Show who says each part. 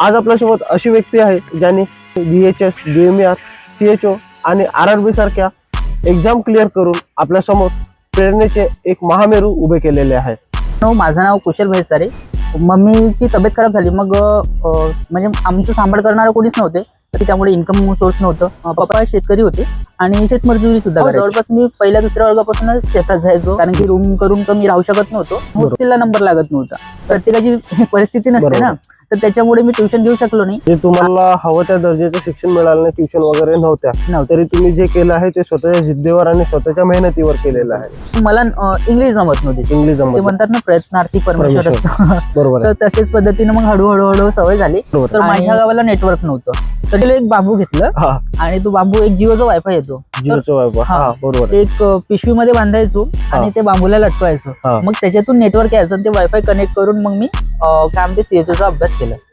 Speaker 1: आज आपल्यासोबत अशी व्यक्ती आहे ज्यांनी BHS, DMER, CHO आणि RRB सारख्या एक्झाम क्लिअर करून आपल्यासमोर प्रेरणेचे एक महामेरू उभे केलेले आहे.
Speaker 2: माझं नाव कुशल भैसारे. मम्मीची तब्येत खराब झाली, मग म्हणजे आमचं सांभाळ करणारं कोणीच नव्हते, तर त्यामुळे इन्कम सोर्स नव्हतं. पप्पा शेतकरी होते आणि शेतमजुरी सुद्धा करायचे. जवळपास मी पहिल्या दुसऱ्या वर्गापासूनच शेतात जायचो, कारण की रूम करून तर मी राहू शकत नव्हतो. हॉस्टेलला नंबर लागत नव्हता. प्रत्येकाची परिस्थिती नसते ना, तर त्याच्यामुळे मी ट्युशन घेऊ शकलो नाही.
Speaker 1: जे तुम्हाला हवं त्या दर्जाचं शिक्षण मिळालं नाही, ट्युशन वगैरे नव्हत्या, तरी तुम्ही जे केलं आहे ते स्वतःच्या जिद्दीवर आणि स्वतःच्या मेहनतीवर केलेलं आहे.
Speaker 2: मला इंग्लिश जमत नव्हती.
Speaker 1: इंग्लिश
Speaker 2: ते म्हणतात ना, प्रयत्नार्थी परमेश्वर असतो.
Speaker 1: बरोबर.
Speaker 2: तर तशाच पद्धतीने मग हळूहळू सवय झाली. तर माझ्या गावाला नेटवर्क नव्हतं, तर तिला एक बांबू घेतलं आणि तो बांबू एक जिओचा वायफाय येतो,
Speaker 1: जिओचा वायफाय. बरोबर.
Speaker 2: एक पिशवीमध्ये बांधायचो आणि ते बांबूला लटकवायचो. मग त्याच्यातून नेटवर्क यायचं आणि ते वायफाय कनेक्ट करून मग मी काय म्हणते CHO चा अभ्यास केला.